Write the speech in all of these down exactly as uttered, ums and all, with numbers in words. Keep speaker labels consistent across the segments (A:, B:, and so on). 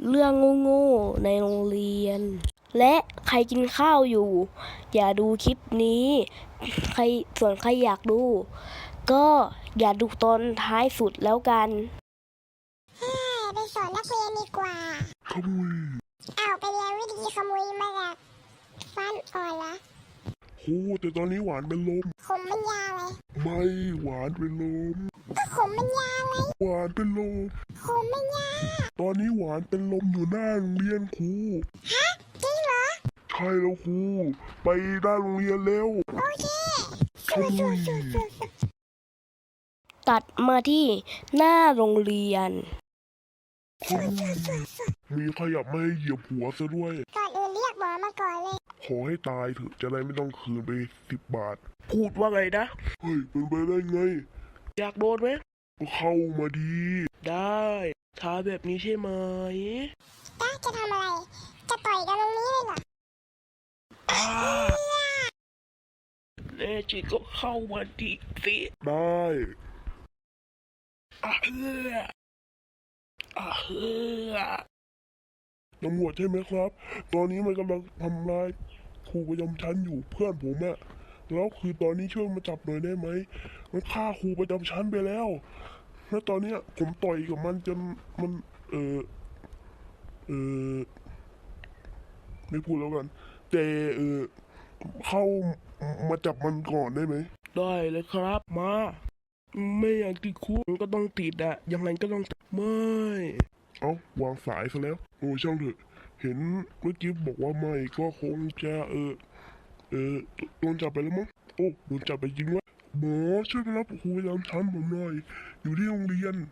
A: เรื่องโง่ๆในโรงเรียนและใครกินข้าวอยู่อย่าดูคลิปนี้ใครส่วนใครอยากดูก็อย่าดูตอนท้ายสุดแล้วกัน
B: ไปสอนนักเรียนดีกว่า
C: ขโมย
B: เอาไปเรียนวิธีขโมยมาจากฟันอ่อนละ
C: โอ้แต่ตอนนี้หวานเป็นลม
B: ขมมันยาวเลย
C: ไม่หวานเป็นลม
B: ก็ขมมันยาวไง
C: หวานเป็นลม
B: ขมมันยาว
C: ตอนนี้หวานเป็นลมอยู่หน้าโรงเรียนครู
B: ฮะจริงเหรอ
C: ใช่แล้วครูไปหน้าโรงเรียนแล้ว
B: โอเค
C: ขโมย
A: ตัดมาที่หน้าโรงเรียน
C: มีขยับไม่ให้เหยียบหัวซะด้วย
B: ก่อนอื่นเรียกหมอมาก่อนเลย
C: ขอให้ตายเถอะจะได้ไม่ต้องคืนไปสิบบาท
A: พูดว่าไงนะ
C: เฮ้ยเป็นไปได้ไง
A: อยากโดนไหม
C: ก็เข้ามาดี
A: ได้ท้าแบบนี้ใช่ไหม
B: ต้าจะทำอะไรจะต่อยกันตรงนี้เลยเหรอ
A: แน่จริงก็เข้ามาดีสิ
C: ได้
A: อ่ะเฮ้ออ่ะเฮ้อ
C: ตำรวจใช่ไหมครับตอนนี้มันกำลังทำร้ายครูประจำชั้นอยู่เพื่อนผมอะแล้วคือตอนนี้ช่วยมาจับหน่อยได้ไหมมันฆ่าครูประจำชั้นไปแล้วแล้วตอนนี้ผมต่อยกับมันจนมันเออเออไม่พูดแล้วกันแต่เออเข้ามาจับมันก่อนได้ไหม
A: ได้เลยครับมาไม่อยากติดคุกก็ต้องติดอะยังไงก็ต้องไม่
C: เอ้าวางสายซะแล้วโอ้ช่างเถอะเห็นเมื่อกี้บอกว่าไม่ก็คงจะเออเออโดนจับไปแล้วมั้งโอ้โดนจับไปจริงวะหมอช่วยไปรับครูประจำชั้นผมหน่อยอยู่ที่โรงเรียน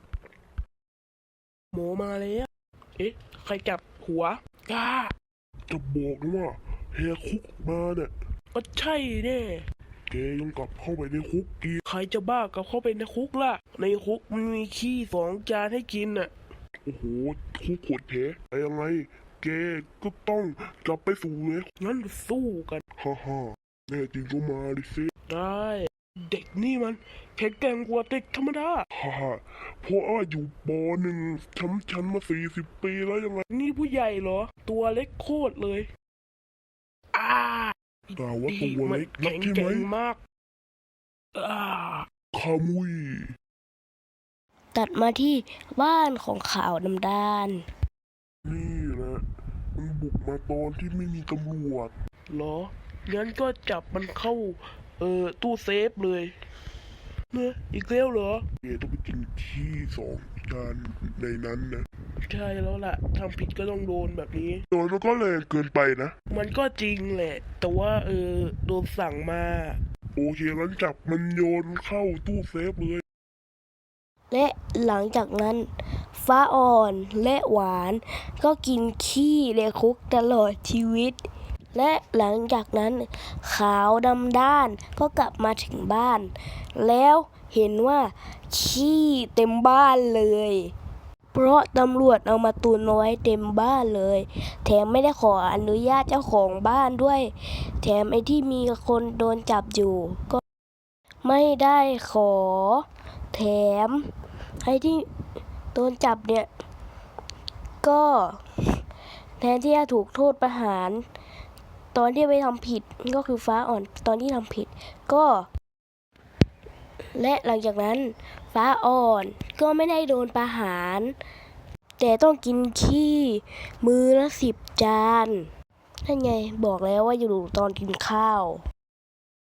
A: หมอมาแล้วเอ๊ะใครจับหัวกล้า
C: จะบอกนะว่าแหกคุกมาเนี่ย
A: ก็ใช่แน่
C: แกยังกลับเข้าไปในคุกอีก
A: ใครจะบ้ากลับเข้าไปในคุกล่ะในคุกมันมีขี้สองจานให้กินน่ะ
C: โอ้โหคุกโหดแท้แต่ยังไงแกก็ต้องกลับไปสู่เลย
A: งั้นสู้กัน
C: ฮ่าฮ่าแน่จริงก็มาดิสิ
A: ได้เด็กนี่มันแข็งแกร่งกว่าเด็กธรรมดา
C: ฮ่าฮ่าเพราะว่าอยู่ปหนึ่งชั้นชั้นมาสี่สิบปีแล้วยังไง
A: นี่ผู้ใหญ่เหรอตัวเล็กโคตรเลยอ่า
C: แต่ว่าตัวเล็กนักใช่ไหม
A: มากอ่า
C: ขโมย
A: ตัดมาที่บ้านของขาวดำดาน
C: นี่แหละมันบุกมาตอนที่ไม่มีตำรวจ
A: เหรองั้นก็จับมันเข้าเอ่อตู้เซฟเลยเนอะอีกแล้วเหรอ
C: เอต้องไปกินขี้สองจานในนั้นนะ
A: ใช่แล้วล่ะทำผิดก็ต้องโดนแบบนี้
C: โดนมันก็แรงเกินไปนะ
A: มันก็จริงแหละแต่ว่าเออโดนสั่งมา
C: โอเคงั้นจับมันโยนเข้าตู้เซฟเลย
A: และหลังจากนั้นฟ้าอ่อนและหวานก็กินขี้ในคุกตลอดชีวิตและหลังจากนั้นขาวดำด้านก็กลับมาถึงบ้านแล้วเห็นว่าขี้เต็มบ้านเลยเพราะตำรวจเอามาตุนไว้เต็มบ้านเลยแถมไม่ได้ขออนุญาตเจ้าของบ้านด้วยแถมไอ้ที่มีคนโดนจับอยู่ก็ไม่ได้ขอแถมไอ้ที่โดนจับเนี่ยก็แทนที่จะถูกโทษประหารตอนที่ไปทำผิดก็คือฟ้าอ่อนตอนที่ทำผิดก็และหลังจากนั้นฟ้าอ่อนก็ไม่ได้โดนประหารแต่ต้องกินขี้มื้อละสิบจานนั่นไงบอกแล้วว่าอยู่ตอนกินข้าว